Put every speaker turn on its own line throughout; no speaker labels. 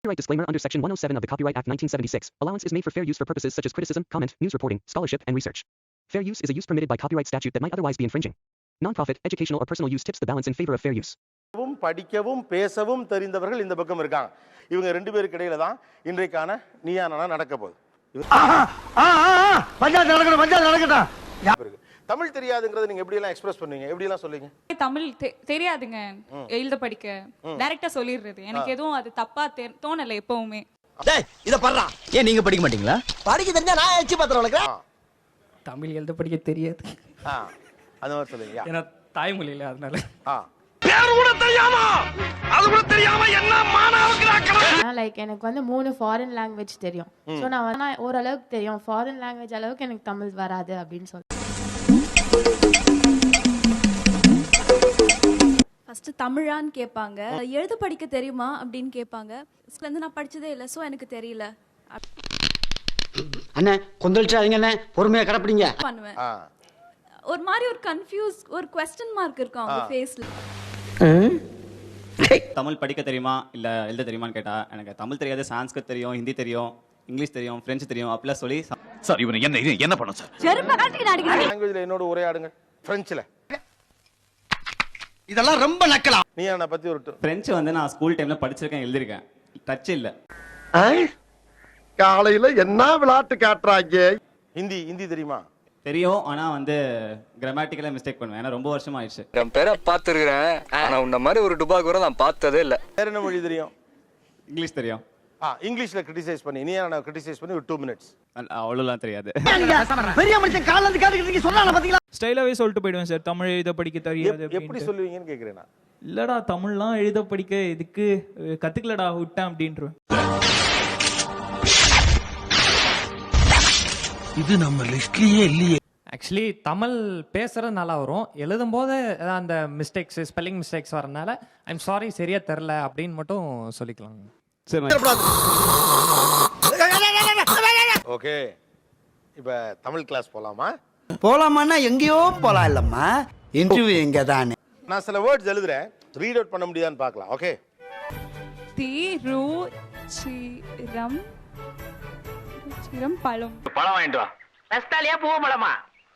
Copyright disclaimer under Section 107 of the Copyright Act 1976. Allowance is made for fair use for purposes such as criticism, comment, news reporting, scholarship, and research. Fair use is a use permitted by copyright statute that might otherwise be infringing. Non-profit, educational, or personal use tips the balance in favor of fair use.
படிக்கவும் பேசவும் தெரிந்தவர்கள் இந்த பக்கம் இருக்காங்க. இவங்க ரெண்டு பேருக்கு இடையில தான் இன்றைக்கான நீயா நானா நடக்க போகுது. பஞ்சாயத்து நடக்கட்டும். தமிழ் தெரியாதுங்கறத நீங்க எப்படி எல்லாம் எக்ஸ்பிரஸ் பண்ணுவீங்க? எப்படி எல்லாம் சொல்லுவீங்க?
தமிழ் தெரியாதுங்க. எழுத படிக்க டைரக்டா சொல்லிடுறது. எனக்கு எதுவும் அது தப்பா தோணல எப்பவுமே.
டேய் இத பறறா. ஏன் நீங்க படிக்க மாட்டீங்களா? படிக்க தெரிஞ்சா நான் எச்சி பத்திரம் வளர்க்கறேன்.
தமிழ் எழுத படிக்க தெரியாது.
அந்த மாதிரி சொல்லுங்க.
ஏன்னா தாய்மொழி இல்ல அதனால.
பேர் கூட தெரியாம அது கூட தெரியாம என்ன மானாவுக்கு நாக்கறேன்.
லைக் எனக்கு வந்து 3 ஃபாரின் லாங்குவேஜ் தெரியும். சோ நான் ஓரளவுக்கு தெரியும். ஃபாரின் லாங்குவேஜ் அளவுக்கு எனக்கு தமிழ் வராது அப்படினு சொல்றேன்.
ஃபர்ஸ்ட் தமிழான்னு கேட்பாங்க. எழுத படிக்க தெரியுமா அப்படின்னு கேட்பாங்க. ஸ்கூல்ல நான் படிச்சதே இல்ல சோ எனக்கு தெரியல.
அண்ணே கொந்தளிச்சாதீங்க அண்ணே, பொறுமையா கடப்பிடிங்க.
பண்ணுவேன். ஒரு மாதிரி ஒரு கன்ஃபியூஸ் ஒரு क्वेश्चन மார்க் இருக்கும் அவங்க ஃபேஸ்ல.
தமிழ் படிக்க தெரியுமா இல்ல எழுத தெரியுமான்னு கேட்டா எனக்கு தமிழ் தெரியாது, சான்ஸ்கிரிட் தெரியும், ஹிந்தி தெரியும், இங்கிலீஷ் தெரியும், பிரெஞ்சு தெரியும் அப்படிலாம் சொல்லி
சார் இவன் என்ன பண்ணு சார்?
செருப்ப காட்டி அடிக்கிறீங்க.
லாங்குவேஜ்ல என்னோட உரையாடுங்க. பிரெஞ்சுல.
இதெல்லாம் ரொம்ப நக்கலாம்.
நீயா பத்தி ஒரு
பிரெஞ்சு வந்து நான் ஸ்கூல் டைம்ல படிச்சிருக்கேன், எழுதிருக்கேன். டச் இல்ல.
காலையில என்ன விளையாட்டு காட்டுறாங்க? ஹிந்தி தெரியுமா?
தெரியும், ஆனா வந்து கிராமட்டிக்கலா மிஸ்டேக் பண்ணுவேன். ஏன்னா ரொம்ப வருஷமா ஆயிடுச்சு.
நான் பேரை பார்த்துருக்கிறேன், ஆனா உன்ன மாதிரி ஒரு டுபாக் கூட நான் பார்த்ததே இல்ல.
வேற என்ன மொழி தெரியும்?
இங்கிலீஷ் தெரியும்.
இங்கிலீஷ்ல கிரிட்டிசைஸ் பண்ணி நீ என்ன கிரிட்டிசைஸ் பண்ணி ஒரு 2 minutes.
அவ்வளவுலாம் தெரியாது.
பெரிய மனுஷன் கால்ல இருந்து காட்டுறீங்க சொன்னால பாத்தீங்களா?
ஸ்டைலாவே சொல்லிட்டு போய்டுவேன் சார். தமிழ் எழுத படிக்க தெரியாது அப்படி.
எப்படி சொல்லுவீங்கன்னு கேக்குறேன் நான்.
இல்லடா தமிழ்லாம் எழுத படிக்க இதுக்கு கத்துக்கலடா விட்டேன் அப்படின்றேன்.
இது நம்ம லிஸ்ட்லயே இல்லையே.
ஆக்சுவலி தமிழ் பேசுறது நல்லா வரும், எழுதும் போது அந்த மிஸ்டேக்ஸ் ஸ்பெல்லிங் மிஸ்டேக்ஸ் வரனால ஐம் சாரி சரியா தெரியல அப்படின்னு மட்டும் சொல்லிக்கலாம்.
ஓகே, இப்ப தமிழ் கிளாஸ் போலாமா?
போலாமான்னா எங்கேயோ போலாம் இல்லம்மா, இன்டர்வியூ எங்க தானே.
நான் சில வேர்ட்ஸ் எழுதுறேன், ரீட் அவுட் பண்ண முடியுதான்னு பார்க்கலாம். ஓகே.
சிரம் பழம்
வாங்கிட்டு வா.
நஸ்தாலியா பூவ பழமா?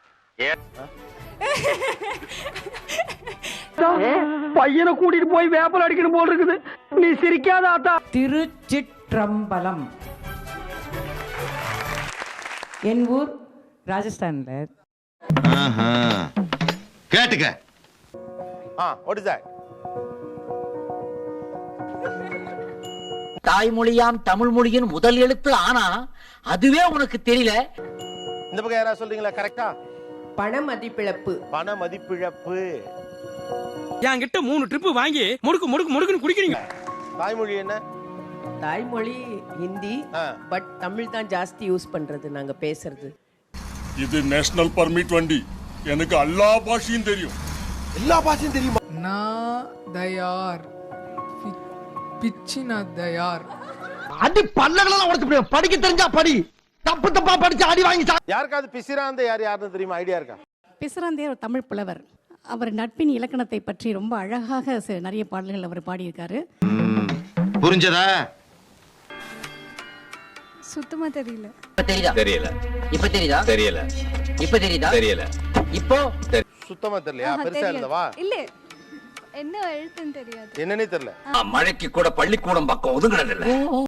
பையனை கூட்டிட்டு போய் வேப்பல் அடிக்கணும் போல் இருக்குது. நீ சிரிக்காத ஆத்தா.
திருச்சிற்றம்பலம். என் ஊர் ராஜஸ்தான்ல.
கேட்டுக்க.
What is that?
தாய்மொழியாம் தமிழ் மொழியின் முதல் எழுத்து ஆனா அதுவே உனக்கு தெரியல.
இந்த பக்கம் யாரா சொல்றீங்களா? கரெக்ட்டா?
பண மதிப்பிழப்பு.
பண மதிப்பிழப்பு.
என்கிட்ட 3 ட்ரிப் வாங்கி முடுக்குன்னு குடிக்கிறீங்க.
தாய்மொழி என்ன?
தாய்மொழி ஹிந்தி, பட் தமிழ் தான் ஜாஸ்தி யூஸ் பண்றது நாங்க பேசுறது.
இது நேஷனல் பர்மிட் வண்டி, எனக்கு எல்லா பாஷையும் தெரியும்.
எல்லா பாஷையும் தெரியுமா?
நான் தயார் பிச்சினா தயார்.
அடி பல்லகளெல்லாம் உடைச்சு போடு. படிக்க தெரிஞ்சா படி, தப்பு தப்பா படிச்சு அடி வாங்கி.
யாருக்காவது பிசிராந்த யாருன்னு தெரியுமா? ஐடியா இருக்கா?
பிசிராந்தே ஒரு தமிழ் புலவர். அவர் நட்பின் இலக்கணத்தை பற்றி ரொம்ப அழகாக நிறைய பாடல்கள் அவர் பாடியிருக்காரு.
புரிஞ்சதா?
சுத்தமா தெரியல.
தெரியல. இப்ப தெரியுதா? தெரியல. இப்ப தெரியுதா? தெரியல. இப்போ
சுத்தமா தெரியலையா? பெருசா இல்லவா?
இல்ல, என்ன எழுத்துன்னு தெரியாது.
என்னன்னே தெரியல.
மழைக்கு கூட பள்ளிக்கூடம் பக்கம் ஒதுங்கறது இல்ல.